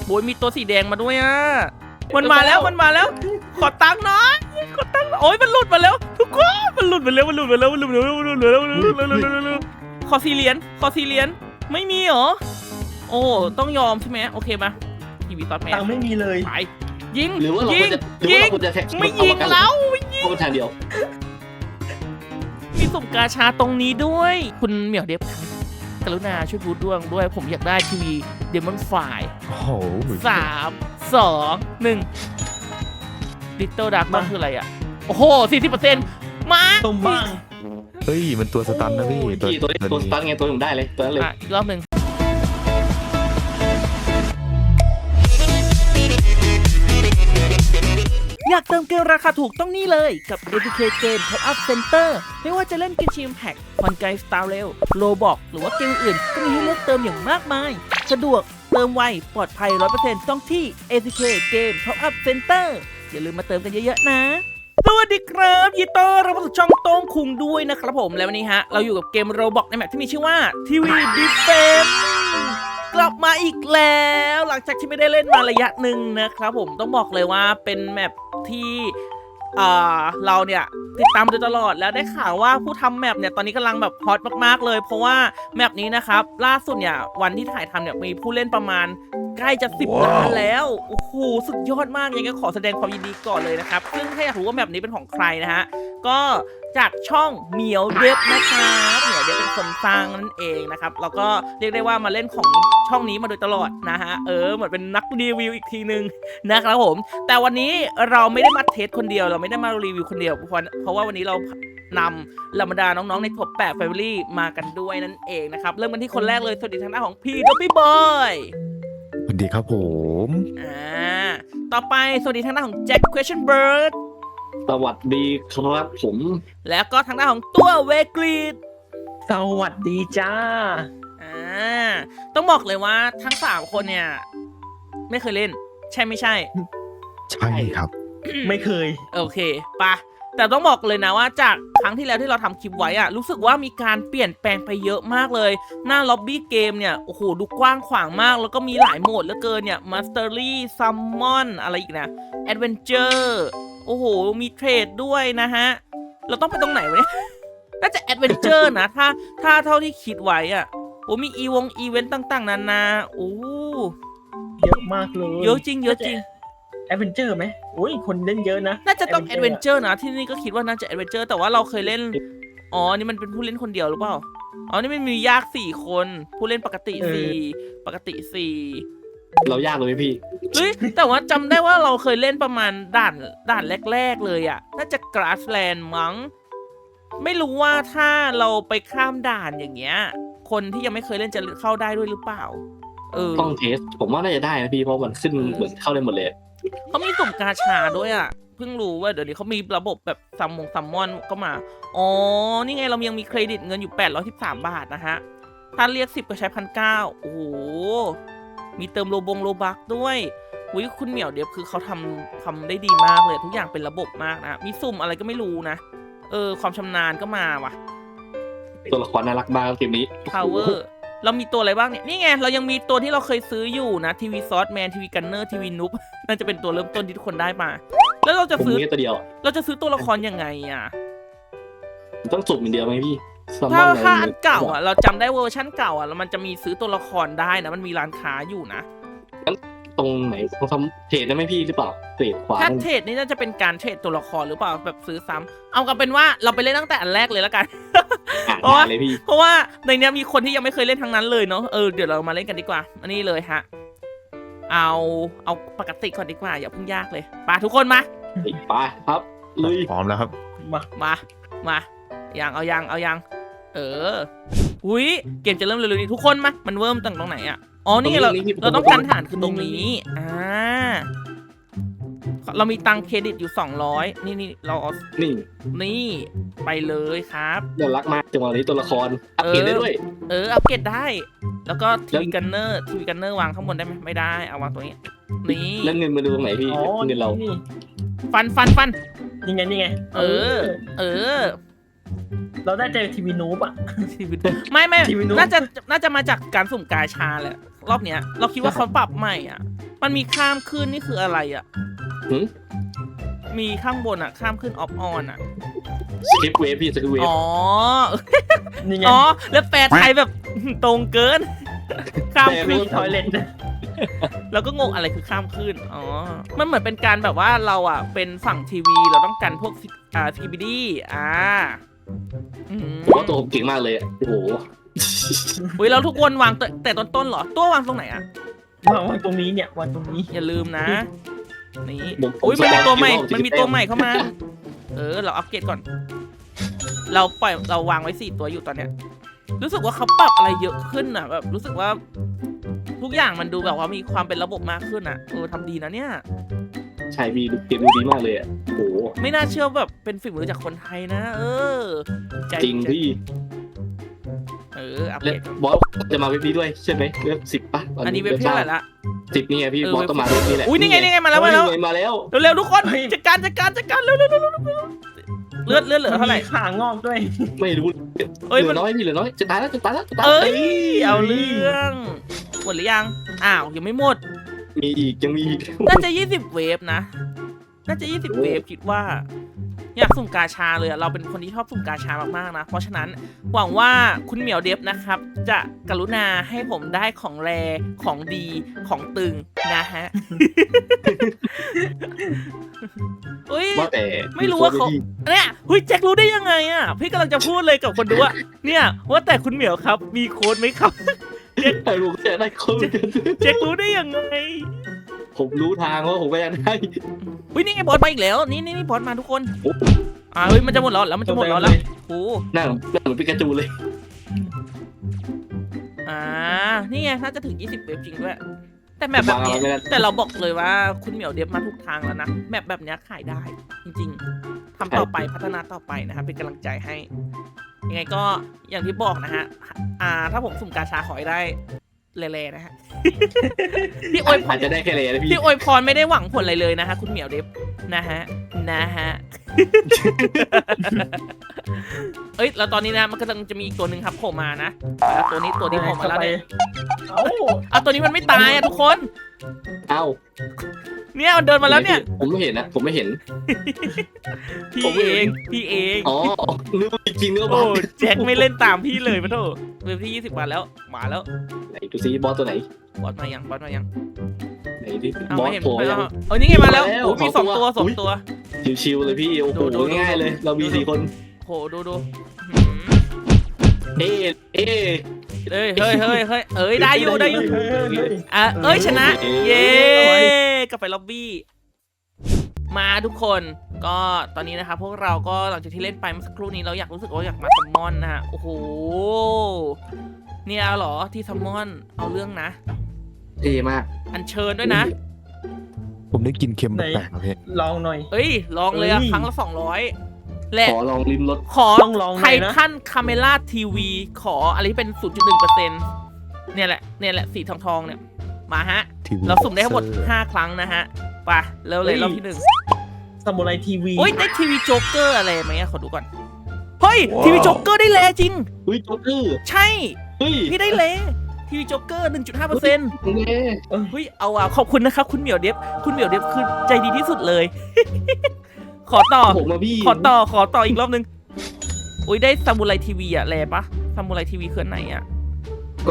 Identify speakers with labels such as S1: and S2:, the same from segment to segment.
S1: โอ้ยมีตัวสีแดงมาด้วยอ่ะมันมาแล้วขอตังค์หน่อยโอ้ยมันหลุดมาแล้วทุกคนมันหลุดมาแล้วขอ4 เหรียญไม่มีเหรอโอ้ต้องยอมใช่ไหมโอเคมาทีวีซอสแมน
S2: ตังค์ไม่มีเลย
S1: ไปยิง
S3: หรือว่าเรา
S1: ยิง
S3: ควรจะ
S1: ไม่ยิงแล้วไม่ยิง
S3: โคตรทางเดียว
S1: มีสุ่มกาชาตรงนี้ด้วยคุณเหมียวเดฟครับกรุณาช่วยพูดด้วยผมอยากได้ทีวีเดมอนไฟ
S4: โอ้โห
S1: 3 2 1ลิตเติ้ลดาร์กมันคืออะไรอ่ะโอ้โห 40%มา
S2: ตรงบ้าง
S4: เฮ้ยมันตัวสตันนะพี่
S3: ตัวสตาร์ทไงตัวผมได้เลยตัวนั้นเลย
S1: อีกรอบหนึ่งอยากเติมเกมราคาถูกต้องนี่เลยกับ APK Game Top Up Center ไม่ว่าจะเล่นเกมชิมแพ็กคอนไกสตาร์เรลโลบอกหรือว่าเกมอื่นก็มีให้เลือกเติมอย่างมากมายสะดวกเติมไวปลอดภัย 100% ต้องที่ APK Game Top Up Center อย่าลืมมาเติมกันเยอะๆนะสวัสดีครับยินดีต้อนรับเข้าสู่ช่องโต้งคุงด้วยนะครับผมและวันนี้เราอยู่กับเกมโรบอกในแมปที่มีชื่อว่า TV Defense กลับมาอีกแล้วหลังจากที่ไม่ได้เล่นมาระยะหนึ่งนะครับผมต้องบอกเลยว่าเป็นแมปที่เราเนี่ยติดตามมาโดยตลอดแล้วได้ข่าวว่าผู้ทำแมปเนี่ยตอนนี้กำลังแบบฮอตมากๆเลยเพราะว่าแมปนี้นะครับล่าสุดเนี่ยวันที่ถ่ายทำเนี่ยมีผู้เล่นประมาณใกล้จะ10 ล้านแล้วโอ้โหสุดยอดมากยังไงขอแสดงความยินดีก่อนเลยนะครับซึ่งถ้าอยากรู้ว่าแมปนี้เป็นของใครนะฮะก็จากช่องเหมียวเดฟนะครับเหมียวเดฟเป็นคนสร้างนั่นเองนะครับแล้วก็เรียกได้ว่ามาเล่นของช่องนี้มาโดยตลอดนะฮะเหมือนเป็นนักรีวิวอีกทีนึงนะครับผมแต่วันนี้เราไม่ได้มาเทสคนเดียวเราไม่ได้มารีวิวคนเดียวเพราะว่าวันนี้เรานำเหล่าบรรดาน้องๆในท็อป8 Family มากันด้วยนั่นเองนะครับเริ่มกันที่คนแรกเลยสวัสดีทางด้านของพี่ดอปปี้บอย
S4: สวัสดีครับผม
S1: ต่อไปสวัสดีทางด้านของแจ็ค Question Bird
S3: สวัสดีครับผม
S1: แล้วก็ทางด้านของตัวเวกรีด
S2: สวัสดีจ้า
S1: ต้องบอกเลยว่าทั้ง3คนเนี่ยไม่เคยเล่นใช่ไม่ใช่
S4: ใช่ครับ
S2: ไม่เคย
S1: โอเคปะแต่ต้องบอกเลยนะว่าจากครั้งที่แล้วที่เราทำคลิปไว้อะรู้สึกว่ามีการเปลี่ยนแปลงไปเยอะมากเลยหน้าล็อบบี้เกมเนี่ยโอ้โหดูกว้างขวางมากแล้วก็มีหลายโหมดเหลือเกินเนี่ย Mastery Summon อะไรอีกนะ Adventure โอ้โหมีเทรดด้วยนะฮะเราต้องไปตรงไหนวะเนี่ยน่าจะ Adventure นะถ้าเท่าที่คิดไว้อะโอ้มีอีเวนต์ต่างๆนานาโอ้
S2: เยอะมากเลย
S1: เยอะจริง
S2: แอดเวนเจอร์ไหมโอ้ยคนเล่นเยอะนะ
S1: น่าจะต้องแอดเวนเจอร์นะที่นี่ก็คิดว่าน่าจะแอดเวนเจอร์แต่ว่าเราเคยเล่นอ๋อนี่มันเป็นผู้เล่นคนเดียวหรือเปล่าอ๋อนี่มันมียาก4 คนผู้เล่นปกติ4
S3: เรายากเลยพี่
S1: เฮ้ยแต่ว่าจำได้ว่าเราเคยเล่นประมาณด่านแรกๆเลยอ่ะน่าจะ Grassland มั้งไม่รู้ว่าถ้าเราไปข้ามด่านอย่างเงี้ยคนที่ยังไม่เคยเล่นจะเข้าได้ด้วยหรือเปล่า
S3: ต้องเทสผมว่าน่าจะได้นะพี่เพราะมันขึ้นเหมือนเข้าได้หมดเลย
S1: เขามีสุ่มกาชาด้วยอ่ะเพิ่งรู้ว่าเดี๋ยวนี้เขามีระบบแบบซัมมอนก็มาอ๋อนี่ไงเรายังมีเครดิตเงินอยู่813 บาทนะฮะถ้าเรียก10ก็ใช้1,900โอ้โหมีเติมโลบักด้วยอุ้ยคุณเหมียวเดี๋ยวคือเขาทำได้ดีมากเลยทุกอย่างเป็นระบบมากนะมีสุ่มอะไรก็ไม่รู้นะความชำนาญก็มาว่ะ
S3: ตัวละครน่ารักมากเกมนี้
S1: Power เรามีตัวอะไรบ้างเนี่ยนี่ไงเรายังมีตัวที่เราเคยซื้ออยู่นะทีวีซอสแมนทีวีกันเนอร์ทีวีนุ๊บน่าจะเป็นตัวเริ่มต้นที่ทุกคนได้มาแล้วเราจะซื้อ
S3: ตัวเดียว
S1: เราจะซื้อตัวละครยังไงอ่ะ
S3: ต้องสุ่มอย่างเดียวไหมพี่
S1: ถ้าอันเก่าอ่ะเราจำได้เวอร์ชั่นเก่าอ่ะแล้วมันจะมีซื้อตัวละครได้นะมันมีร้านค้าอยู่นะ
S3: ตรงไหนต้องทำเทรดได้ไหมพี่หรือเปล่าเทรดขวา
S1: ถ้าเทรดนี่น่าจะเป็นการเทรดตัวละครหรือเปล่าแบบซื้อซ้ำเอากันเป็นว่าเราไปเล่นตั้งแต่อันแรกเลยแล้วกันเพราะว่าในนี้มีคนที่ยังไม่เคยเล่นทั้งนั้นเลยเนาะเดี๋ยวเรามาเล่นกันดีกว่าอันนี้เลยฮะเอาปกติก่อนดีกว่าอย่าเพิ่งยากเลยไปทุกคนมา
S3: ไปครับ
S4: พร้อมแล้วครับ
S1: มายังเอายังอุ้ยเกมจะเริ่มเร็วๆนี้ทุกคนมามันเริ่มตั้งตรงไหนอ่ะอ๋อนี่ไงเราต้องการฐานคือตรงนี้เรามีตังเครดิตอยู่200นี่เราเอานี่ไปเลยครับ
S3: เดี๋ยวรักมากจังหวะนี้ตัวละครอัปเกรดได้ด้วย
S1: อัปเกรดได้แล้วก็ทีวีกันเนอร์วางข้างบนได้ไหมไม่ได้เอาวางตรงนี้นี่
S3: แล้วเงินมาดูตรงไหนพี่เงินเรา
S1: ฟัน
S2: ยังไงเราได้เจอทีวีนูบอ่ะ
S1: ไม่น่าจะมาจากการสุ่มกาชาแหละรอบเนี้ยเราคิดว่าเขาปรับใหม่อ่ะมันมีข้ามขึ้นนี่คืออะไรอ่ะ
S3: หืม
S1: มีข้างบนอ่ะ ข้ามขึ้นออฟออนอ่ะ
S3: สคริปต์เวฟพี่สคริปต์เวฟ
S1: อ๋อ
S2: นี่ไง
S1: อ๋อ แล้วแปลไทยแบบ ตรงเกิน ข้าม
S2: มี
S1: ขึ้น
S2: ทอยเล็ตนะ
S1: แล้วก็งงอะไรคือข้ามขึ้น อ๋อ มันเหมือนเป็นการแบบว่าเราอ่ะเป็นฝั่งทีวี เราต้องกันพวกCBD
S3: ผมว่าตัวผมเก่งมากเลยอะโอ้โห
S1: อุ้ยแล้วทุกคนวางแต่ต้นๆเหรอ ตัววางตรงไหนอ่ะ
S2: วางตรงนี้เนี่ยวางตรงนี้
S1: อย่าลืมนะ นี่
S3: ผม
S1: อุ้ยมันมีตัวใหม่
S3: ผม
S1: มันมีตัวใหม่เข้ามา เราอัปเกรดก่อน เราวางไว้4ตัวอยู่ตอนเนี้ย รู้สึกว่าเขาปรับอะไรเยอะขึ้นอ่ะแบบรู้สึกว่า ทุกอย่างมันดูแบบว่ามีความเป็นระบบมากขึ้นอ่ะทำดีนะเนี่ย
S3: ใช่พี่เกมดูดีมากเลยอะโอ้โห
S1: ไม่น่าเชื่อแบบเป็นฝีมือจากคนไทยนะ ใจ
S3: จริงพี่
S1: อัปเก
S3: และ
S1: รดก่อน
S3: บอสจะมาเว็บนี้ด้วยใช่ไหมเว็บ10ป่ะ
S1: อันนี้เว็บที่เท่าไหร่ละ
S3: 10นี่ไงพี่
S1: เออ
S3: บอสต้องมาเว็บนี้แหละ
S1: อุ้ยนี่ไงมาแล้ว
S3: เฮ้ยมาแล้ว
S1: เร็วๆทุกคนจัดการเร็วเลือดเหลือเท่าไหร่
S2: มีขางอกด้วย
S3: ไม่รู้
S1: เอ้ย
S3: เหลื
S1: มั
S3: อน น้อยพี่เหลือน้อยจะตายแล้ว
S1: เอ้ยเอาเรื่องหมดหรือยังยังไม่หมด
S3: มีอีกยังมีอีก
S1: น่าจะ20 เวฟนะ น่าจะ20 เวฟคิดว่า อยากสุ่มกาชาเลยอะเราเป็นคนที่ชอบสุ่มกาชามากๆนะ เพราะฉะนั้นหวังว่าคุณเหมียวเดฟนะครับ จะกรุณาให้ผมได้ของแรของดีของตึงนะฮะ อุ้ย
S3: ว่าแต่
S1: ไม่รู้ว่าเขาเนี่ยแจ็ครู้ได้ยังไงอ่ะพี่กำลังจะพูดเลยกับคนดูว่าเนี่ยว่าแต่คุณเหมียวครับ มีโค้ดไหมครับ
S3: ไอ้ลูกจะได้คน
S1: แจ็ครู้ได้ยังไง
S3: ผมรู้ทางว่าผมก็ยังได้
S1: นี่ไงบอสมาอีกแล้วนี่บอสมาทุกคน
S3: โอ้
S1: มันจะหมดแล้วมันจะหมดแล้วโอ้
S3: หน้าเหมือนปิกาจูเลย
S1: นี่ไงน่าจะถึง20 เวฟจริงด้วยแต่แมปแบบนี้แต่เราบอกเลยว่าคุณเหมียวเดฟมาทุกทางแล้วนะแมปแบบนี้ขายได้ จริงๆทำต่อไปพัฒนาต่อไปนะครับเป็นกำลังใจให้ยังไงก็อย่างที่บอกนะฮะถ้าผมสุ่มกาชาขอให้ได้เล่ๆนะฮะ พี่อวยพร
S3: อาจจะได้แค่เลยนะพี่
S1: พี่อวยพรไม่ได้หวังผลอะไรเลยนะฮะคุณเหมียวเดฟนะฮะ แล้วตอนนี้นะมันก็จะมีอีกตัวหนึ่งครับโผล่มานะแล้วตัวนี้โผล่มาแล้วเนี่ย ตัวนี้มันไม่ตายทุกคน
S3: เอ้า
S1: เนี่ยมันเดินมาแล้วเนี่ย
S3: ผมไม่เห็นนะผมไม่เห็น
S1: พี่เอง
S3: อ๋อนึกว่าจริงนึกว่าบ
S1: โอ้
S3: อส
S1: แจ็คไม่เล่นตามพี่เลยมาโถเว็บที่20 วันแล้วมาแล้ว
S3: ไหนดูซิบอสตัวไหน
S1: บอสมายัง
S3: ไหนดิ
S1: เอา
S3: บอ
S1: ไม่
S3: ส
S1: เห็น
S3: โผล่ยัง
S1: นี่ไงมาแล้ว
S3: มาแล้ว
S1: มี
S3: สองตัว
S1: 2 ตัว
S3: ชิวๆเลยพี่โอ้โห
S1: ดู
S3: ง่ายๆเลย เรามี4 คน
S1: โหดู
S3: เอ๊ะ
S1: เฮ้ยได้อยู่ชนะ เย้กลับไปล็อบบี้มาทุกคนก็ตอนนี้นะครับพวกเราก็หลังจากที่เล่นไปเมื่อสักครู่นี้เรารู้สึกว่าอยากมาซัมมอนนะฮะโอ้โหเนี่ยเหรอที่ซัมมอนเอาเรื่องนะ
S3: เท่มาก
S1: อัญเชิญด้วยนะ
S4: ผมได้กินเค็มแปลกๆครับพี่
S2: ลองหน่อย
S1: ลองเลยครั้งละ200และ
S3: ขอลองลิ้มรส
S1: ขอ
S2: ต้องลองห
S1: ไท
S2: น่อยนะ
S1: ทันคาเมล่าทีวีขออะไรที่เป็น 0.1% เนี่ยแหละสีทองเนี่ยมาฮะ
S4: ทีวี
S1: เราสุ่มได้ทั้งหมด5 ครั้งนะฮะไปเร็วเลยรอบที่ 1
S2: ซามูไรทีวี
S1: ได้ทีวีโจ๊กเกอร์อะไรไหมขอดูก่อนเฮ้ยทีวีโจ๊กเกอร์ได้แลจริง
S3: เฮ้ยโจ๊กเกอร์
S1: ใช่
S3: เฮ้ย
S1: พี่ได้แลทีวีโจ๊กเกอร์ 1.5%
S3: เน่
S1: เฮ้ยเอาขอบคุณนะครับคุณเหมียวเดฟคือใจดีที่สุดเลย ขอต่อ
S3: ผมมาพี่
S1: ขอต่ออีกรอบนึงได้ซามูไรทีวีอะแลปะซามูไรทีวีคือไหนอะ
S3: ก็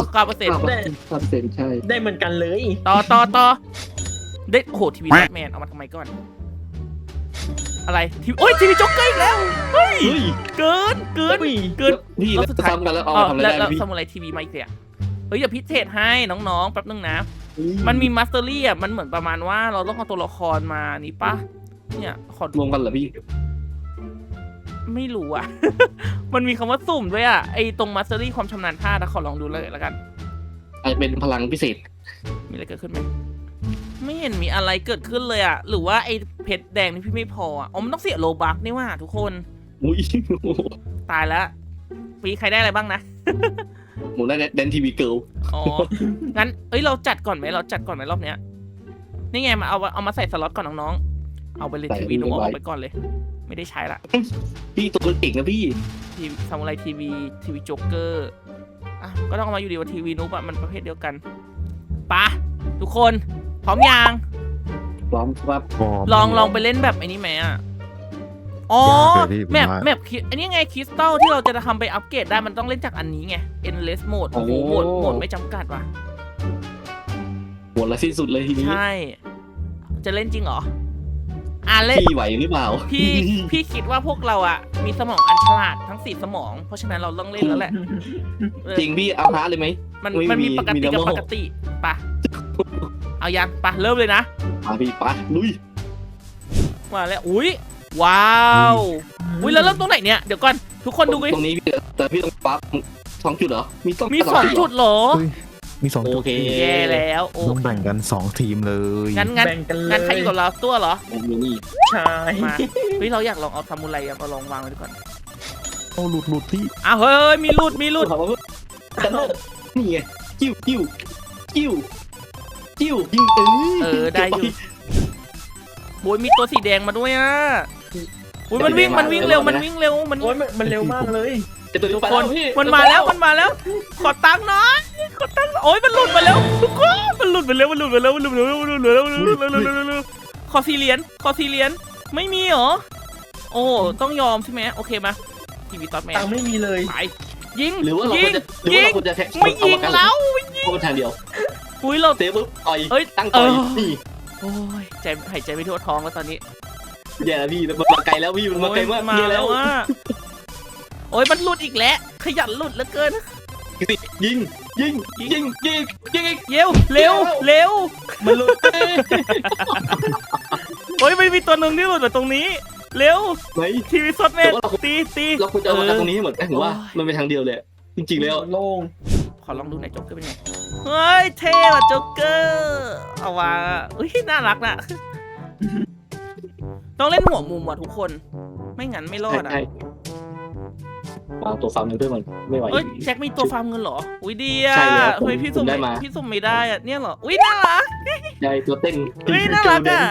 S1: 9%
S3: ใช่
S2: ได้เหมือนกันเลย
S1: ต่อได้โอ้โหทีวีแบทแมนเอามาทำไมก่อนอะไรทีวีโจ๊กเกอร์อีกแล้วเฮ้ยเกิน
S3: พี่
S1: รอบสุดท้าย
S3: ซ้ำกันแล้วเอาทำอะไร
S1: แล้ว
S3: ได้พี่
S1: ซามูไรทีวีมาอีกเลยเดี๋ยวพิเศษให้น้องๆแป๊บนึงนะมันมีมาสเตอรี่อ่ะมันเหมือนประมาณว่าเราต้องเอาตัวละครมานี่ปะเนี่ยขอ
S3: รวมกันเหรอพี่
S1: ไม่รู้อ่ะ มันมีคำว่าสุ่มด้วยอ่ะไอตรงมาสเตอรี่ความชำนาญท่าขอลองดูเลยแล้วกัน
S3: อาจจะเป็นพลังพิเศษ
S1: มีอะไรเกิดขึ้นไหมไม่เห็นมีอะไรเกิดขึ้นเลยอ่ะหรือว่าไอเพชรแดงนี่พี่ไม่พออ่ะมันต้องเสียโลบัคนี่ว่าทุกคน
S3: อุ้ย
S1: ตายแล้วปีใครได้อะไรบ้างนะ
S3: หมูได้แดนทีวีเกิล
S1: อ๋อ งั้นเราจัดก่อนไหมรอบเนี้ย นี่ไงมาเอามาใส่สล็อตก่อนน้องๆ เอาไปเลยทีวีหนูเอาไปก่อนเลย ไม่ได้ใช้ละ
S3: พี่ตัวเก่งนะพี่
S1: ทีวีซามูไรทีวีโจ๊กเกอร์ก็ต้องเอามาอยู่ดีว่าทีวีนุ๊กอะมันประเภทเดียวกันปะทุกคนพร้อมยัง
S3: พร้อมครับ
S1: ลองไปเล่นแบบไอ้นี้ไหมอ่ะอ๋อย
S4: ากเลยพี่ผม
S1: แมป
S4: ว่า
S1: แมปอันนี้ไงคริสตัลที่เราจะทำไปอัปเกรดได้มันต้องเล่นจากอันนี้ไง endless mode โอ้โหโหมดไม่จำกัดว่ะ
S3: หมดละสิ้นสุดเลยทีนี้
S1: ใช่ จะเล่นจริงเหรอเล่น
S3: พี่ไหวหรือเปล่า
S1: พี่คิดว่าพวกเราอ่ะมีสมองอันฉลาดทั้ง4สมอง เพราะฉะนั้นเราต้องเล่นแล้วแหละเออ
S3: จริงพี่เอาฮาร์ดเลยไหม
S1: มันมีปกติกับปกติปะเอายังปะเริ่มเลยนะ
S3: มาพี่ปะลุย
S1: มาแล้วอุ้ยว้าวอุ้ยแล้วเริ่มตรงไหนเนี่ยเดี๋ยวก่อนทุกคนดูดิ
S3: ตรงนี้พี่แต่พี่ต้องปั๊บ2 จุดเหรอมีต้อง
S1: มี2 จุดเหรอ
S4: เฮ้ยมี2 จุด
S3: โอเค
S1: แย่แล้วโอ้
S4: ต้องแบ่งกัน2 ทีมเลย
S1: งั้น
S2: แบ่งกันเลย
S1: งั้นใครอยู่กับเราตัวเหรอ
S3: ผมอยู่นี่
S2: ใช่
S1: มาเฮ้ยเราอยากลองเอาซามูไรมาลองวางไว้ดีก่อน
S4: โอ้หลุดพี่
S1: อ้าวเฮ้ยมีรูด
S3: กันโลกนี่ไงจิ้วยิง
S1: ได้อยู่โอ้ยมีตัวสีแดงมาด้วยอ่ะโอ้ยมันวิ่งเร็วมัน
S2: โอ้ยมันเร็วมากเลย
S3: จะตัวนี้
S1: ทุก
S3: ไป
S1: คน
S3: พี่
S1: มันมาแล้วขอตังค์หน่อยโอ้ยมันหลุดมาแล้วทุกคนมันหลุดไปแล้วขอ4 เหรียญไม่มีเหรอโอ้ต้องยอมใช่ไหมโอเคมาทีวีซอสแมน
S2: ตังค์ไม่มีเลย
S1: ไปยิง
S3: หรือว่าเรา
S1: ยิ
S3: ควรจะแท็ก
S1: ไม่ยิงแล้ว
S3: เพราะมันทางเดียว
S1: อุ้ยเรา
S3: เซฟปุ๊บต่อย
S1: เอ้ย
S3: ตั้งต่อย
S1: เออ
S3: นี่
S1: โอ้ยหายใจไม่ทั่วท้องแล้วตอนนี้
S3: แย่แล้วพี่มันมาไกลแล้วพี่มันมาไกลมาก
S1: มา
S3: เยอะ
S1: แล้
S3: แล้ว ว
S1: อ่ะโอ้ยมันหลุดอีกแล้วขยันหลุดเหลือเกิน
S3: ยิงอีก
S1: เร็ว
S2: มันหลุด
S1: โอ้ยไม่มีตัวหนึ่งที่หลุดมาตรงนี้เร็ว
S3: ไหน
S1: ทีวีซอสแมนตี
S3: เราควรจะเอามาตรงนี้ให้หมดแต่ผมว่ามันเป็นทางเดียวเลยจริงๆแล้ว
S2: โล่ง
S1: ขอลองดูหน่อยโจ๊กเกอร์เป็นไงเฮ้ยเท่ว่ะโจ๊กเกอร์เอาวะอุ้ยน่ารักน่ะต้องเล่นหัวมุมว่ะทุกคนไม่งั้นไม่รอดอ่ะ
S3: ใช่วางตัวฟาร์มเงินด้วยมันไม่ไหว
S1: เอ้ยแจ็คมีตัวฟาร์มเงินเหรออุ้ยดีอ่ะ
S3: ใช่แล้ว
S1: เฮ้ยพี่สุ่ม
S3: ผมได้มา
S1: ไม่ได้อ่ะเนี่ยเหรออุ้ยน่ารัก
S3: ใช่ตัวเต้น
S1: เฮ้ยน่ารักอ่ะ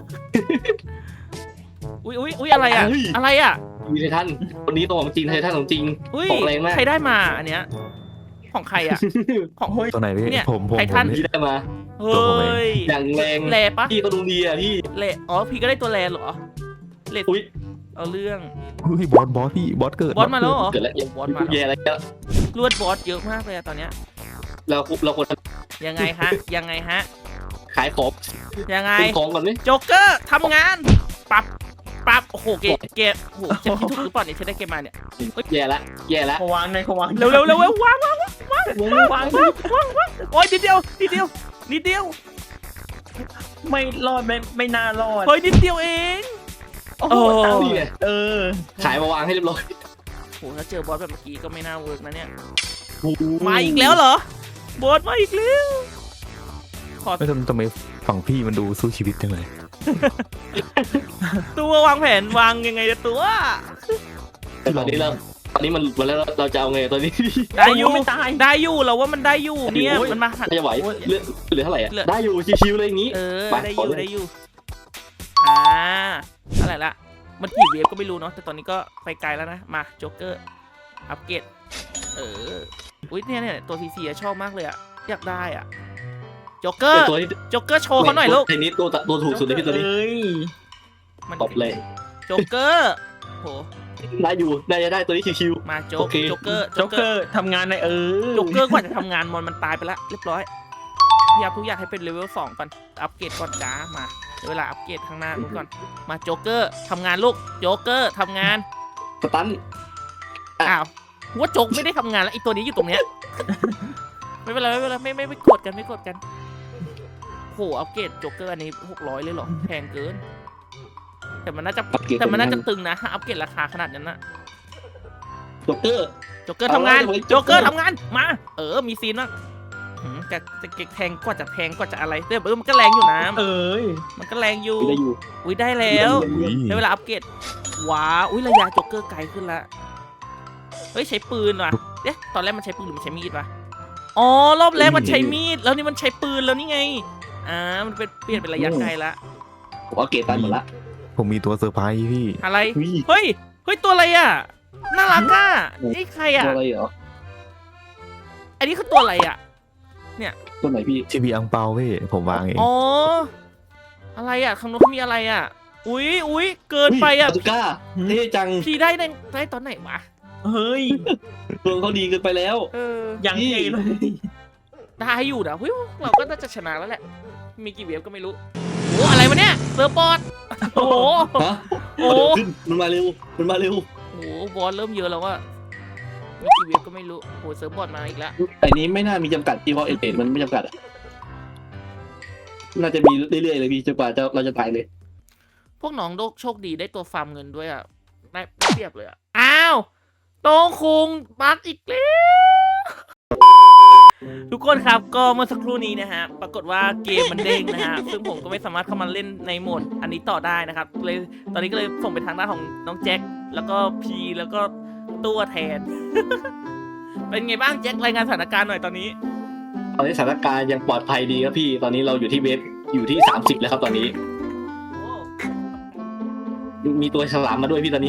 S1: อุ้ยอะไรอ่ะอะไรอ่ะ
S3: มีไททันคนนี้ตัวของจริงไททันของจริง
S1: อุ้ย
S3: ของแรงมาก
S1: ใครได้มาอันเนี้ยของใครอ่ะของ
S4: ตัวไหนพี่
S1: เนี่ย
S4: ผม
S1: ไททัน
S4: พี่
S3: พี่ได้มา
S1: เฮ้ย
S3: อย่างแรง
S1: แลปะ
S3: พี่ก็ดูดีอ่ะพี่
S1: แลอ๋อพี่ก็ได้ตัวแลเหรอเล
S3: อุ้ย
S1: เอาเรื่อง
S4: อุ้ยบอสพี่บอสเกิด
S1: บอสมาแล้วเหรอ
S3: เกิดแล้ว
S1: บอสมา
S3: แย่แล้ว
S1: ลวดบอสเยอะมากเลยอะตอนเนี้ย
S3: เราควร
S1: ยังไงฮะ
S3: ขายของ
S1: ยังไง
S3: เป็นของก่อนไหม
S1: โจ๊กเกอร์ทำงานปั๊บโอ้โหเกมโอ้โหจะคิดถูกหรือเปล่าเนี่ยฉันได้เกมมาเนี่ย
S3: แย่แล้ว
S2: เขาวางเขาวาง
S1: เร็ววาง
S2: วาง
S1: โอ้ยนิดเดียว
S2: ไม่รอดไม่น่ารอด
S1: เฮ้ยนิดเดียวเอง
S2: โอ้โห
S1: เออ
S2: ตังค์
S3: นี่ไง
S2: เออ
S3: ขายมาวางให้เรียบร้อย
S1: โหถ้าเจอบอสแบบเมื่อกี้ก็ไม่น่าเวิร์กนะเนี่ยมาอีกแล้วเหรอบอสมาอีกแล้วขอ
S4: ไม่ทำไมฝั่งพี่มันดูสู้ชีวิตจังเลย
S1: ตัววางแผนวางยังไงเนี่ยตัว
S3: แต่ตอนนี้มันหมดแล้วเราจะเอาไงตอนนี้
S1: ได้อยู่
S2: ไม่ตาย
S1: ได้อยู่เราว่ามันได้อยู่เนี่ย
S3: โอ้ย
S1: มันมาหัน
S3: จะไหวเหลือเท่าไหร่อ่ะ
S1: เหลือ
S3: ได้อยู่ชิวๆเลยอย่างนี้
S1: เออ
S3: ไป
S1: ได้อ
S3: ขอยู่ เลย
S1: ได้อยู่อะไรละมันกี่เวฟก็ไม่รู้เนาะแต่ตอนนี้ก็ไปไกลแล้วนะมาโจ๊กเกอร์อัปเกรดอุ้ยเนี่ยตัวซีซีชอบมากเลยอะอยากได้อะโจ๊กเกอ
S3: แต่
S1: ร์
S3: ตัวนี้
S1: โจ๊กเกอร์โชว์เขาหน่อยลูก
S3: ตัวนี้ตัวถูกสุดเลยพี่ตัวนี้
S2: เอ้ย
S1: มัน
S3: ตบเลย
S1: โจ๊กเกอร์โห
S3: ได้อยู่ได้ตัวนี้ชิว
S1: มาโจ๊
S3: โอก เค
S1: โจ๊กเกอร์
S2: โจ๊กเกอร์ทำงานใน
S1: โจ๊กเกอร์กว่าจะทำงานมันตายไปแล้วเรียบร้อยพยายามทุกอย่างให้เป็นเลเวล2ก่อนอัปเกรดก่อนจ้ามาเวลาอัปเกรดข้างหน้านู้นก่อนมาโจ๊กเกอร์ทำงานลูกโจ๊กเกอร์ทำงาน
S3: สตัน
S1: อ้าวว่าโจ๊กไม่ได้ทำงานแล้วไอตัวนี้อยู่ตรงเนี้ย ไม่เป็นไรไม่กดกันโหอัปเกรดโจ๊กเกอร์อันนี้600เลยเหรอแพงเกินแต่มันน่าจะตึงนะถ้าอัปเกรดราคาขนาดนั้นนะ
S3: โจ๊กเกอร์
S1: โจ๊กเกอร์ทำงาน
S3: เอาไว้
S1: โจ๊กเกอร์ทำงานมามีซีนบ้างจะเก็กแทงกว่าจะแทงกว่าจะอะไรแต่มันก็แรงอยู่นะ
S2: เอ้ย
S1: มันก็แรงอยู่
S3: ได้อยู่
S1: อุ้ยได้แล้ว
S4: อุ้ย
S1: ได้เวลาอัปเกรดว้าอุ้ยระยะโจ๊กเกอร์ไกลขึ้นละเฮ้ยใช้ปืนว่ะเอ๊ะตอนแรกมันใช้ปืนหรือมันใช้มีดวะอ๋อรอบแรกมันใช้มีดแล้วนี่มันใช้ปืนแล้วนี่ไงมันเป็นเปลี่ยนเป็นระยะไกลละ
S3: ผมเอาเกตตันหมดละ
S4: ผมมีตัวเซอร์ไพรส์พี่
S1: อะไร
S3: อุ้ย
S1: เฮ้ยตัวอะไรอ่ะน่ารักอ่ะนี่ใครอ่ะ
S3: ตัวอะไรเหรอ
S1: อันนี้คือตัวอะไรอ่ะ
S3: ตัวไหนพี่
S4: ทีวีอังเปาพี่ผมวางเอง
S1: อ๋ออะไรอ่ะข้างโน้นเขามีอะไรอ่ะอุ้ยเกินไปอ่ะ
S3: บาซูก้าเท่จัง
S1: พี่ได้ตอนไหนวะ
S2: เฮ้ย
S3: เมืองเขาดีเกินไปแล้ว
S2: ยังเท่เลย
S1: ได้อยู่นะวิวเราก็น่าจะชนะแล้วแหละมีกี่เวฟก็ไม่รู้โอ้อะไรวะเนี่ยเซิร์ฟบอร์ดโอ้โห
S3: ฮะ
S1: โอ้
S3: เดี๋ยวขึ้นมันมาเร็ว
S1: โอ้บอสเริ่มเยอะแล้วว่ามีกี่เวฟก็ไม่รู้โอ้เซิร์ฟบอร์ดมาอีกแล้ว
S3: ไอ้นี้ไม่น่ามีจำกัดที่เพราะเอเมันไม่จำกัดอะน่าจะมีเรื่อยๆเลยพี่จนกว่าเราจะตายเลย
S1: พวกน้องโชคดีได้ตัวฟาร์มเงินด้วยอ่ะได้เทียบเลยอ่ะอ้าวโต้งคุงบักอีกแล้วทุกคนครับก็เมื่อสักครู่นี้นะฮะปรากฏว่าเกมมันเด้งนะฮะซึ่งผมก็ไม่สามารถเข้ามาเล่นในโหมดอันนี้ต่อได้นะครับเลยตอนนี้ก็เลยส่งไปทางด้านของน้องแจ็คแล้วก็พีแล้วก็ตัวแทน เป็นไงบ้างแจ็ครายงานสถานการณ์หน่อยตอนนี้
S3: ตอนนี้สถานการณ์ยังปลอดภัยดีครับพี่ ตอนนี้เราอยู่ที่เวฟอยู่ที่30แล้วครับตอนนี้ มีตัวฉลามมาด้วยพี่ตอนนี้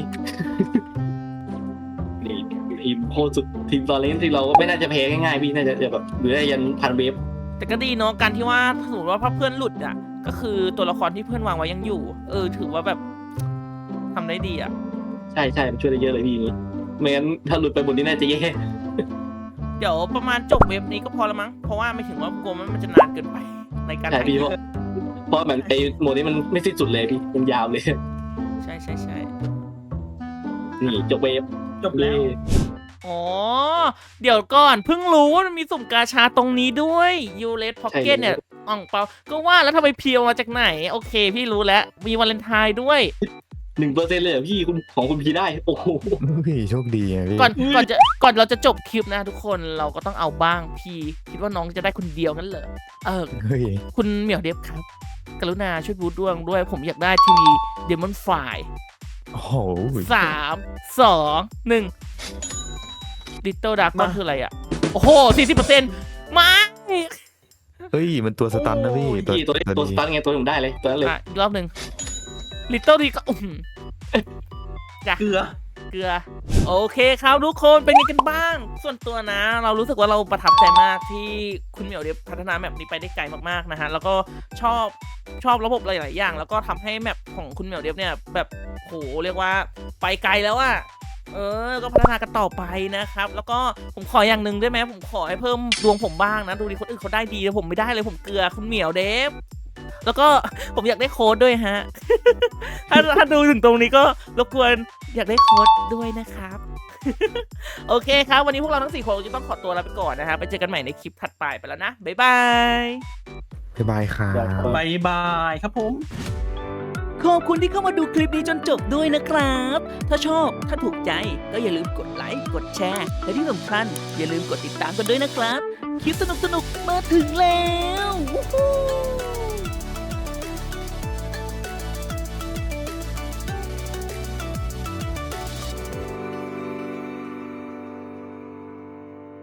S3: นี่ทีมโคตรสุดทีมตอนเล่นที่เราก็ไม่น่าจะแพ้ง่ายๆพี่น่าจะแบบเหลือยันพันเวฟ
S1: แต่ก็ดีเนาะการที่ว่าถ้าสมมติว่าเพื่อนหลุดอ่ะก็คือตัวละครที่เพื่อนวางไว้ยังอยู่ถือว่าแบบทำได้ดีอ่ะ
S3: ใช่มันช่วยได้เยอะเลยพี่อย่างนี้ไม่งั้นถ้าหลุดไปบนนี้น่าจะแย่
S1: เดี๋ยวประมาณจบเว็บนี้ก็พอละมั้งเพราะว่าไม่ถึงว่ากลัวมันจะนานเกินไปในการ
S3: ใช่พี่เพราะมันไอ้โหมดนี้มันไม่สิ้นสุดเลยพี่มันยาวเลย
S1: ใช่
S3: นี่จบเวฟ
S2: จบแล้ว
S1: อ๋อเดี๋ยวก่อนเพิ่งรู้ว่ามันมีสุ่มกาชาตรงนี้ด้วยยูเลสพ็อกเก็ตเนี่ยอ่องเปาก็ว่าแล้วทำไมเพียวมาจากไหนโอเคพี่รู้แล้วมีวาเลนไทน์ด้วย
S3: 1%เลยเหรอพี่คุณของคุณพีได้โอ้โห
S4: พี่โชคดีไงพี่
S1: ก่อนเราจะจบคลิปนะทุกคนเราก็ต้องเอาบ้างพี่คิดว่าน้องจะได้คนเดียวงั้นเหรอ
S4: เฮ้ย
S1: คุณเหมียวเดฟครับกรุณาช่วยบูทดวงด้วยผมอยากได้ทีวีเดมอนไฟ
S4: โอ้โห
S1: 3 2 1 Little Dark ก็คืออะไรอ่ะโอ้โห 40%มา
S4: เฮ้ยมันตัวสตันนะพี่
S3: พี่ตัวสตาร์ทไงตัวผมได้เลยตัวนั้นเลย
S1: อีกรอบหนึ่ง Little ดีก็จ้ะ
S2: เกลือ
S1: เกลือโอเคครับทุกคนเป็นยังไงกันบ้าง ส่วนตัวนะ เรารู้สึกว่าเราประทับใจมากที่คุณเหมียวเดฟพัฒนาแมปนี้ไปได้ไกลมากๆนะฮะแล้วก็ชอบระบบหลายๆอย่างแล้วก็ทำให้แมปของคุณเหมียวเดฟเนี่ยแบบโหเรียกว่าไปไกลแล้วอะก็พัฒนากันต่อไปนะครับแล้วก็ผมขออย่างหนึ่งได้ไหมผมขอให้เพิ่มดวงผมบ้างนะดูดิคนอื่นเขาได้ดีแต่ผมไม่ได้เลยผมเกลือคุณเหมียวเดฟแล้วก็ผมอยากได้โค้ดด้วยฮะ ถ้าดูถึงตรงนี้ก็รบกวนอยากได้โค้ดด้วยนะครับ โอเคครับวันนี้พวกเราทั้ง4คนจะต้องขอตัวลาไปก่อนนะครับไปเจอกันใหม่ในคลิปถัดไปแล้วนะบ๊ายบาย
S4: บ๊ายบายครับ
S2: บายบายครับผม
S1: ขอบคุณที่เข้ามาดูคลิปนี้จนจบด้วยนะครับ ถ้าชอบถ้าถูกใจก็อย่าลืมกดไลค์กดแชร์และที่สำคัญอย่าลืมกดติดตามกันด้วยนะครับคลิปสนุกๆมาถึงแล้ววู้ฮู้